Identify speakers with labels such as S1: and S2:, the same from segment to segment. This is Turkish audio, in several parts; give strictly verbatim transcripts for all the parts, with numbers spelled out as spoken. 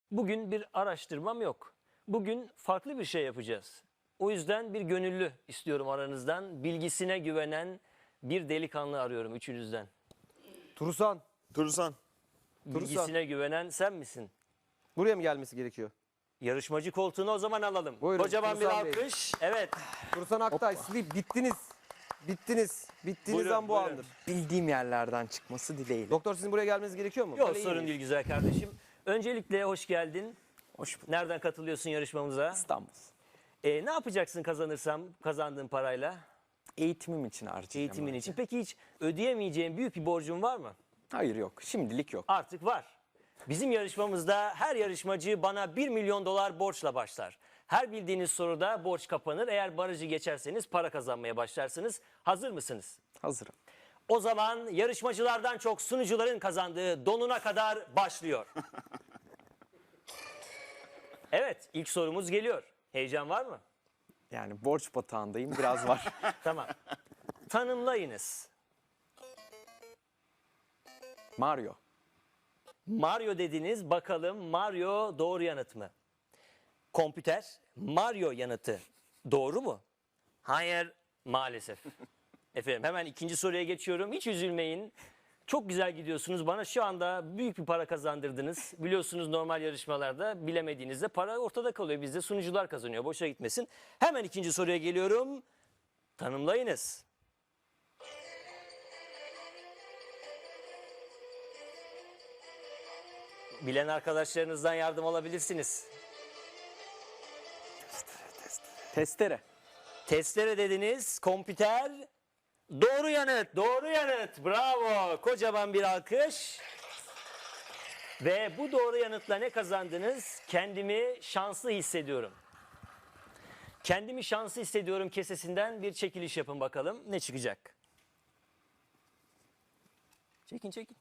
S1: Bugün bir araştırmam yok. Bugün farklı bir şey yapacağız. O yüzden bir gönüllü istiyorum aranızdan. Bilgisine güvenen bir delikanlı arıyorum üçünüzden.
S2: Turusan.
S3: Turusan.
S1: Bilgisine güvenen sen misin?
S2: Buraya mı gelmesi gerekiyor?
S1: Yarışmacı koltuğunu o zaman alalım.
S2: Buyurun,
S1: Kocaman bir
S2: Turusan Bey.
S1: alkış. Evet.
S2: Turusan Aktay, sleep. Bittiniz. Bittiniz. Bittiğiniz
S1: Buyurun,
S2: an bu
S1: buyurun.
S2: andır.
S4: Bildiğim yerlerden çıkması dileğiyle.
S2: Doktor sizin buraya gelmeniz gerekiyor mu?
S1: Yok
S2: Böyle iyi
S1: sorun
S2: miyiz?
S1: değil güzel kardeşim. Öncelikle hoş geldin.
S4: Hoş bulduk.
S1: Nereden katılıyorsun yarışmamıza?
S4: İstanbul.
S1: Ee, ne yapacaksın kazanırsam kazandığın parayla?
S4: Eğitimim için harcayacağım.
S1: Eğitimin
S4: önce.
S1: için. Peki hiç ödeyemeyeceğin büyük bir borcun var mı?
S4: Hayır yok. Şimdilik yok.
S1: Artık var. Bizim yarışmamızda her yarışmacı bana bir milyon dolar borçla başlar. Her bildiğiniz soruda borç kapanır. Eğer barajı geçerseniz para kazanmaya başlarsınız. Hazır mısınız?
S4: Hazırım.
S1: O zaman yarışmacılardan çok sunucuların kazandığı donuna kadar başlıyor. Evet, ilk sorumuz geliyor. Heyecan var mı?
S4: Yani borç batağındayım. Biraz var.
S1: Tamam. Tanımlayınız.
S4: Mario.
S1: Mario dediniz. Bakalım Mario doğru yanıt mı? Kompüter Mario yanıtı doğru mu? Hayır, maalesef. Efendim hemen ikinci soruya geçiyorum. Hiç üzülmeyin. Çok güzel gidiyorsunuz. Bana şu anda büyük bir para kazandırdınız. Biliyorsunuz normal yarışmalarda bilemediğinizde para ortada kalıyor. Bizde sunucular kazanıyor. Boşa gitmesin. Hemen ikinci soruya geliyorum. Tanımlayınız. Bilen arkadaşlarınızdan yardım alabilirsiniz.
S4: Testere.
S1: Testere dediniz. Kompüter. Doğru yanıt. Doğru yanıt. Bravo. Kocaman bir alkış. Ve bu doğru yanıtla ne kazandınız? Kendimi şanslı hissediyorum. Kendimi şanslı hissediyorum kesesinden bir çekiliş yapın bakalım. Ne çıkacak? Çekin çekin.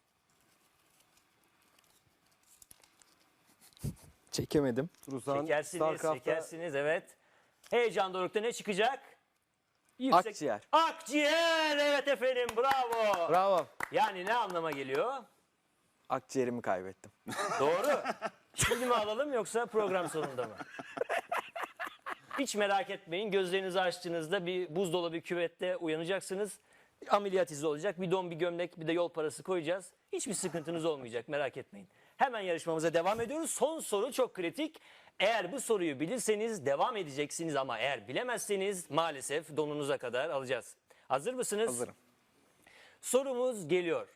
S4: Çekemedim.
S2: Turusan,
S1: Çekersiniz,
S2: Starcraft'ta
S1: çekersiniz. Evet. Heyecan dorukta ne çıkacak?
S4: Akciğer.
S1: Akciğer. Evet efendim. Bravo.
S2: Bravo.
S1: Yani ne anlama geliyor?
S4: Akciğerimi kaybettim.
S1: Doğru. Şimdi mi alalım yoksa program sonunda mı? Hiç merak etmeyin. Gözlerinizi açtığınızda bir buzdolabı küvette uyanacaksınız. Ameliyat izi olacak. Bir don, bir gömlek, bir de yol parası koyacağız. Hiçbir sıkıntınız olmayacak. Merak etmeyin. Hemen yarışmamıza devam ediyoruz. Son soru çok kritik. Eğer bu soruyu bilirseniz devam edeceksiniz ama eğer bilemezseniz maalesef donunuza kadar alacağız. Hazır mısınız?
S4: Hazırım.
S1: Sorumuz geliyor.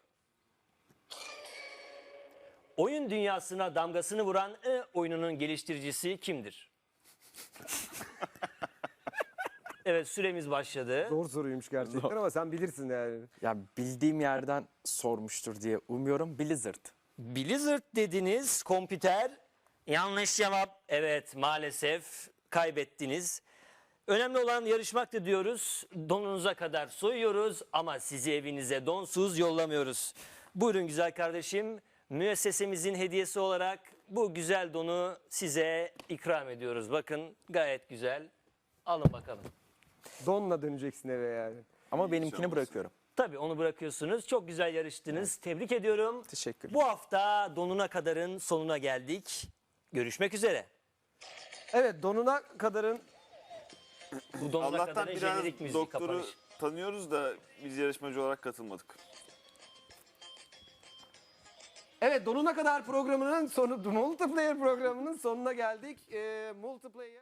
S1: Oyun dünyasına damgasını vuran e oyununun geliştiricisi kimdir? Evet, süremiz başladı.
S2: Zor soruymuş gerçekten ama sen bilirsin yani.
S4: Ya bildiğim yerden sormuştur diye umuyorum. Blizzard.
S1: Blizzard dediniz, kompüter. Yanlış cevap. Evet, maalesef kaybettiniz. Önemli olan yarışmaktı diyoruz. Donunuza kadar soyuyoruz ama sizi evinize donsuz yollamıyoruz. Buyurun güzel kardeşim. Müessesemizin hediyesi olarak bu güzel donu size ikram ediyoruz. Bakın gayet güzel. Alın bakalım.
S2: Donla döneceksin eve yani.
S4: Ama benimkini bırakıyorum.
S1: Tabii onu bırakıyorsunuz. Çok güzel yarıştınız. Tebrik ediyorum.
S4: Teşekkürler.
S1: Bu hafta donuna kadarın sonuna geldik. Görüşmek üzere.
S2: Evet, donuna kadarın
S1: Bu donuna
S3: Allah'tan
S1: kadarın
S3: biraz
S1: jenerik müzik
S3: doktoru
S1: kapanış.
S3: tanıyoruz da biz yarışmacı olarak katılmadık.
S2: Evet, donuna kadar programının sonu, multiplayer programının sonuna geldik. Ee, multiplayer